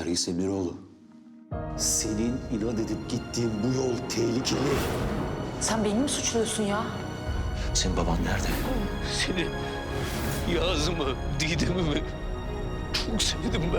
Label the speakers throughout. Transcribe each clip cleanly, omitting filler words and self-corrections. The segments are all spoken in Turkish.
Speaker 1: Reis Emiroğlu, senin inat edip gittiğin bu yol tehlikeli.
Speaker 2: Sen beni mi suçluyorsun ya?
Speaker 1: Senin baban nerede?
Speaker 3: Seni, Yazım'ı, Didem'imi çok sevdim ben.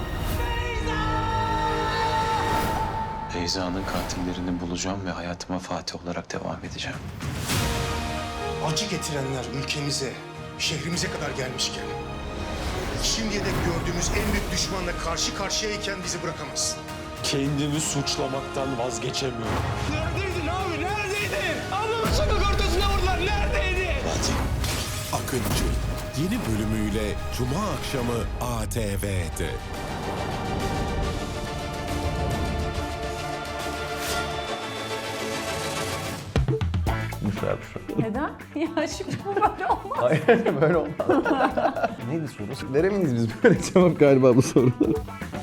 Speaker 1: Beyza'nın katillerini bulacağım ve hayatıma Fatih olarak devam edeceğim.
Speaker 4: Acı getirenler ülkemize, şehrimize kadar gelmişken, şimdiye dek gördüğümüz en büyük düşmanla karşı karşıyayken bizi bırakamazsın.
Speaker 5: Kendimi suçlamaktan vazgeçemiyorum.
Speaker 3: Neredeydin abi, neredeydin? Ablamı sokak ortasına vurdular, neredeydin?
Speaker 1: Fatih.
Speaker 6: Akıncı yeni bölümüyle Cuma akşamı ATV'de.
Speaker 2: Neden? Ya Şükrü bu böyle olmaz.
Speaker 7: Hayır böyle olmaz. Neydi soru? Veremeyiz biz böyle cevap galiba bu sorulara.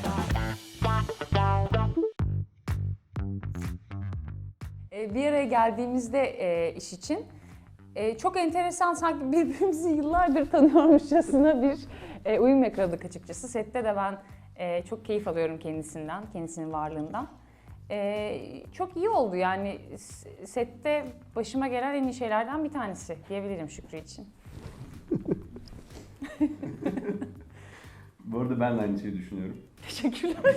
Speaker 2: Bir araya geldiğimizde iş için çok enteresan, sanki birbirimizi yıllardır tanıyormuşçasına bir uyum yakaladık açıkçası. Sette de ben çok keyif alıyorum kendisinden, kendisinin varlığından. Çok iyi oldu yani, sette başıma gelen en iyi şeylerden bir tanesi diyebilirim Şükrü için.
Speaker 7: Bu arada ben de aynı şeyi düşünüyorum.
Speaker 2: Teşekkürler.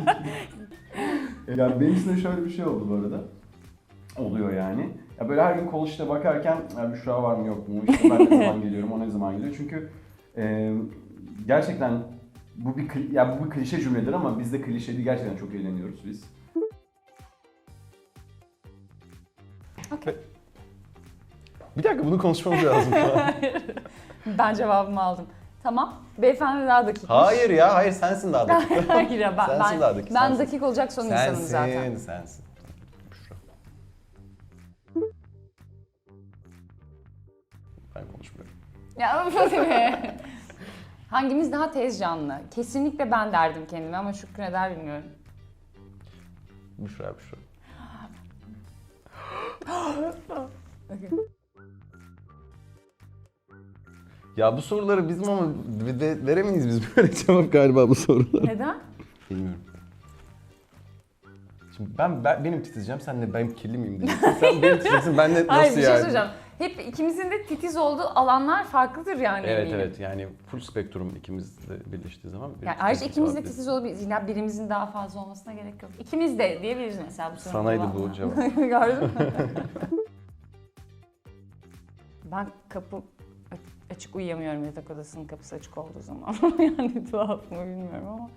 Speaker 7: Yani benim için de şöyle bir şey oldu bu arada. Oluyor yani. Ya böyle her gün kol işte bakarken ya Büşra var mı yok mu? İşte ben ne zaman geliyorum, o ne zaman geliyor? Çünkü gerçekten bu bir klişe cümledir ama biz de klişe değil, gerçekten çok eğleniyoruz biz.
Speaker 2: Okay.
Speaker 7: Bir dakika, bunu konuşmamız lazım.
Speaker 2: Ben cevabımı aldım. Tamam. Beyefendi daha dakik.
Speaker 7: Hayır ya, hayır sensin daha dakik.
Speaker 2: Hayır ya,
Speaker 7: Sensin daha dakik,
Speaker 2: ben
Speaker 7: sensin.
Speaker 2: dakik olacak son insanım zaten.
Speaker 7: Sensin. Büşra. Ben konuşmuyorum.
Speaker 2: Ya hangimiz daha tez canlı? Kesinlikle ben derdim kendime ama Şükrü ne der bilmiyorum.
Speaker 7: Büşra.
Speaker 2: Okay.
Speaker 7: Ya bu soruları bizim ama veremeyiz biz böyle cevap galiba bu sorulara.
Speaker 2: Neden?
Speaker 7: Bilmiyorum. Şimdi benim titizeceğim, sen de ben kirli miyim diyeceksin. Sen benim titizeceksin, ben de nasıl
Speaker 2: Hayır, bir şey
Speaker 7: yani?
Speaker 2: söyleyeceğim. Hep ikimizin de titiz olduğu alanlar farklıdır yani.
Speaker 7: Evet
Speaker 2: eminim.
Speaker 7: evet, yani full spektrum ikimiz de birleştiği zaman.
Speaker 2: Yani ayrıca ikimiz de titiz olabiliriz. Yine birimizin daha fazla olmasına gerek yok. İkimiz de diyebiliriz mesela bu sorunun
Speaker 7: Sanaydı
Speaker 2: cevabına.
Speaker 7: bu cevap.
Speaker 2: Gördün mü? Ben kapı açık uyuyamıyorum, yatak odasının kapısı açık olduğu zaman. Yani tuhaf mı bilmiyorum ama.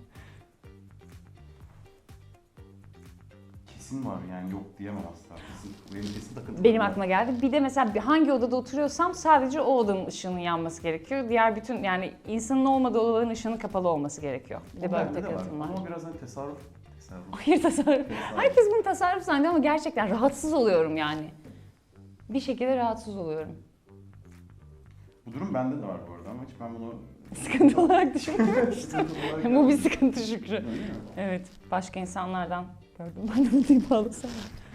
Speaker 7: Kesin var yani, yok diyemem asla. Kesin takıntı.
Speaker 2: Benim aklıma geldi. Bir de mesela hangi odada oturuyorsam sadece o odanın ışığının yanması gerekiyor. Diğer bütün, yani insanın olmadığı odaların ışığının kapalı olması gerekiyor. Bir de böyle bir takıntım var.
Speaker 7: Ama biraz hani tasarruf.
Speaker 2: Hayır, tasarruf. Herkes bunu tasarruf zannediyor ama gerçekten rahatsız oluyorum yani. Bir şekilde rahatsız oluyorum.
Speaker 7: Bu durum bende de var bu arada ama hiç ben bunu...
Speaker 2: Sıkıntı olarak düşünmemiştim. Bu bir sıkıntı Şükrü.
Speaker 7: Öyle mi?
Speaker 2: Evet, başka insanlardan gördüm. Ben de bunu bağlasam.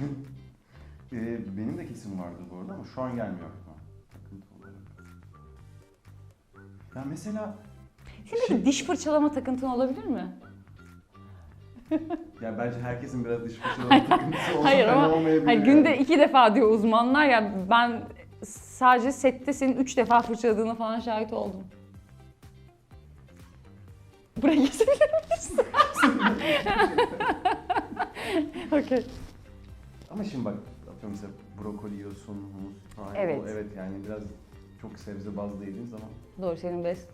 Speaker 7: Benim de kesin vardı bu arada ama şu an gelmiyor aklıma. Takıntı olarak. Ya mesela...
Speaker 2: Senin de diş fırçalama takıntın olabilir mi?
Speaker 7: Ya bence herkesin biraz diş fırçalama takıntısı olsa
Speaker 2: Hayır
Speaker 7: fena
Speaker 2: ama
Speaker 7: olmayabilir
Speaker 2: hani
Speaker 7: yani.
Speaker 2: günde 2 defa diyor uzmanlar ya, ben sadece sette senin 3 defa fırçaladığına falan şahit oldum. Buraya geçebilir miyiz? Okey.
Speaker 7: Ama şimdi bak, atıyorum mesela brokoli yiyorsun, humus falan.
Speaker 2: Evet.
Speaker 7: Evet yani biraz çok sebze bazlı yediğin zaman.
Speaker 2: Doğru, senin best.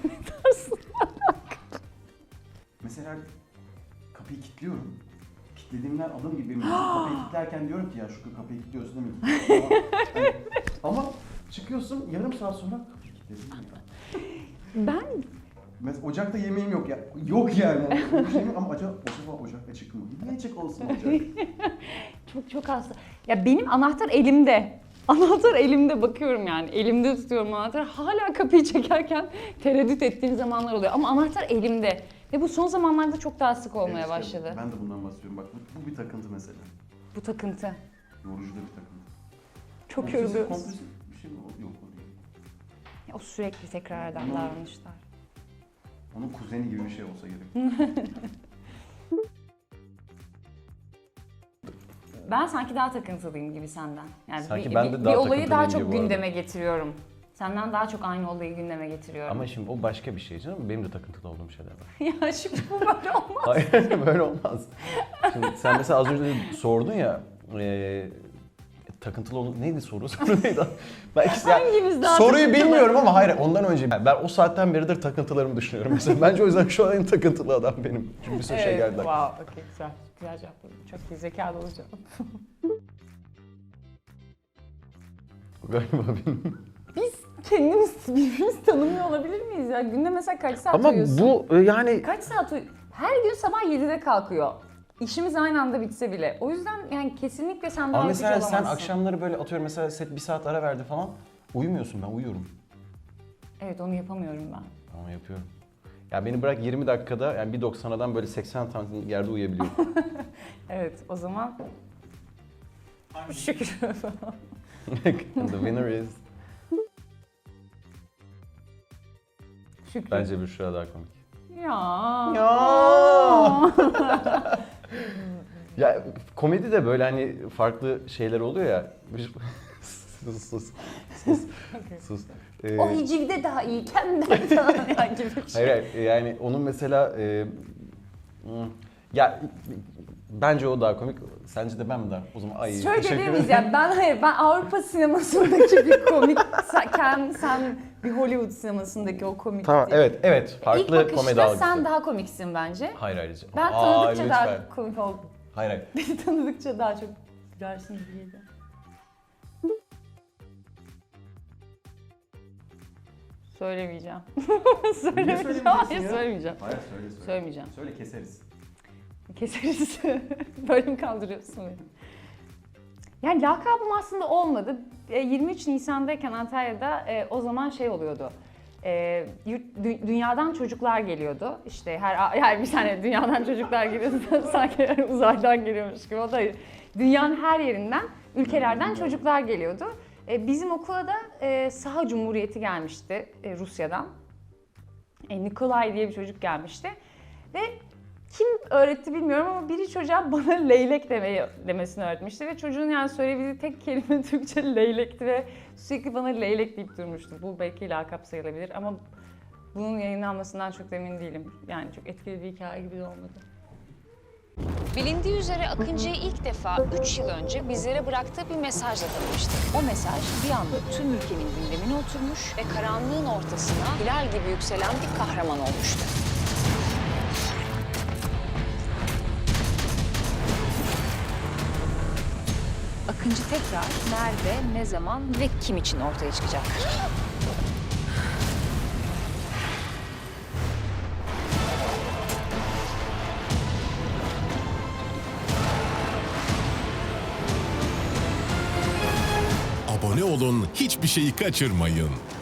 Speaker 7: Mesela kapıyı kilitliyorum. Kilitlediğimden adım gibi kapıyı kilitlerken diyorum ki ya şu kapıyı kilitliyorsun değil mi? Ama çıkıyorsun yarım saat sonra kapıyı kilitledim ya.
Speaker 2: Ben
Speaker 7: Mesela ocakta yemeğim yok ya. Yok yani. Bir şey yok ama acaba ocak açık mı? Niye açık olsun ocak?
Speaker 2: çok hasta. Ya benim anahtar elimde. Anahtar elimde, bakıyorum yani. Elimde tutuyorum anahtarı. Hala kapıyı çekerken tereddüt ettiğim zamanlar oluyor. Ama anahtar elimde. Ve bu son zamanlarda çok daha sık olmaya
Speaker 7: Evet, işte
Speaker 2: başladı.
Speaker 7: ben de bundan bahsediyorum. Bak bu bir takıntı mesela.
Speaker 2: Bu takıntı.
Speaker 7: Yorucu da bir takıntı.
Speaker 2: Çok yoruluyoruz.
Speaker 7: Kompulsif bir şey mi? Yok o değil.
Speaker 2: Ya o sürekli tekrar eden
Speaker 7: Ama-
Speaker 2: davranışlar.
Speaker 7: Onun kuzeni gibi bir şey olsa gerek.
Speaker 2: Ben sanki daha takıntılıyım gibi senden. Yani
Speaker 7: Sanki ben de
Speaker 2: bir
Speaker 7: daha
Speaker 2: olayı daha
Speaker 7: takıntılıyım
Speaker 2: çok
Speaker 7: gibi bu arada.
Speaker 2: gündeme getiriyorum. Senden daha çok aynı olayı gündeme getiriyorum.
Speaker 7: Ama şimdi o başka bir şey canım. Benim de takıntılı olduğum şeyler var.
Speaker 2: Ya şimdi bu böyle olmaz.
Speaker 7: Hayır böyle olmaz. Şimdi sen mesela az önce de sordun ya takıntılı olduğun neydi soru neydi? Belki
Speaker 2: Hangimiz daha
Speaker 7: soruyu
Speaker 2: takıntılı?
Speaker 7: bilmiyorum ama hayır ondan önce ben o saatten beridir takıntılarımı düşünüyorum mesela. Bence o yüzden şu an en takıntılı adam benim. Çünkü bir sürü şey geldi.
Speaker 2: Wow, okey, güzel. Güzel cevapladın. Çok iyi, zekalı olacağım.
Speaker 7: Galiba benim.
Speaker 2: Biz kendimiz birbirimizi tanımıyor olabilir miyiz ya? Günde mesela kaç saat
Speaker 7: Ama
Speaker 2: uyuyorsun?
Speaker 7: bu yani
Speaker 2: Kaç saat Her gün sabah 7'de kalkıyor. İşimiz aynı anda bitse bile. O yüzden yani kesinlikle sen daha
Speaker 7: ama
Speaker 2: yapıcı
Speaker 7: mesela sen
Speaker 2: olamazsın.
Speaker 7: akşamları böyle atıyorum mesela set bir saat ara verdi falan uyumuyorsun ben uyuyorum.
Speaker 2: Evet, onu yapamıyorum ben.
Speaker 7: Ama yapıyorum. Ya beni bırak 20 dakikada yani 1.90'dan böyle 80 santim yerde uyuyabiliyorum.
Speaker 2: Evet, o zaman şükür.
Speaker 7: The winner is...
Speaker 2: Şükür.
Speaker 7: Bence Büşra daha komik.
Speaker 2: Ya.
Speaker 7: Ya komedi de böyle hani farklı şeyler oluyor ya. sus. Sus.
Speaker 2: O hicivde daha iyi, kendinden falan ya gibi bir şey.
Speaker 7: Hayır yani onun mesela ya bence o daha komik. Sence de ben mi daha? O zaman ay
Speaker 2: Şöyle
Speaker 7: teşekkür
Speaker 2: diyemeyiz
Speaker 7: ederim.
Speaker 2: ya, ben Avrupa sinemasındaki bir komik, sen bir Hollywood sinemasındaki o komik.
Speaker 7: Tamam evet farklı
Speaker 2: İlk bakışta
Speaker 7: komedi algısı.
Speaker 2: sen daha komiksin bence.
Speaker 7: Hayır.
Speaker 2: Ben
Speaker 7: Aa,
Speaker 2: tanıdıkça
Speaker 7: lütfen.
Speaker 2: daha komik oldum.
Speaker 7: Hayır.
Speaker 2: Beni tanıdıkça daha çok gülersin gibi geliyor. Söylemeyeceğim. Söylemeyeceğim. Hayır, söylemeyeceğim.
Speaker 7: Hayır söyle.
Speaker 2: Söylemeyeceğim.
Speaker 7: Söyle keseriz.
Speaker 2: Keseriz. Böyle mi kaldırıyorsun beni? Yani lakabım aslında olmadı. 23 Nisan'dayken Antalya'da o zaman şey oluyordu. Dünyadan çocuklar geliyordu. İşte her bir tane dünyadan çocuklar geliyordu. Sanki uzaydan geliyormuş gibi. O da dünyanın her yerinden, ülkelerden çocuklar geliyordu. Bizim okula da Saha Cumhuriyeti gelmişti Rusya'dan. Nikolay diye bir çocuk gelmişti. Ve kim öğretti bilmiyorum ama biri çocuğa bana leylek demesini öğretmişti ve çocuğun yani söyleyebildiği tek kelime Türkçe leylekti ve sürekli bana leylek deyip durmuştu. Bu belki lakap sayılabilir ama bunun yayınlanmasından çok emin değilim. Yani çok etkili bir hikaye gibi de olmadı.
Speaker 8: Bilindiği üzere Akıncı'yı ilk defa 3 yıl önce bizlere bıraktığı bir mesajla tanımıştık. O mesaj bir anda tüm ülkenin gündemine oturmuş ve karanlığın ortasına hilal gibi yükselen bir kahraman olmuştu. Akıncı tekrar nerede, ne zaman ve kim için ortaya çıkacak?
Speaker 6: Abone olun, hiçbir şeyi kaçırmayın.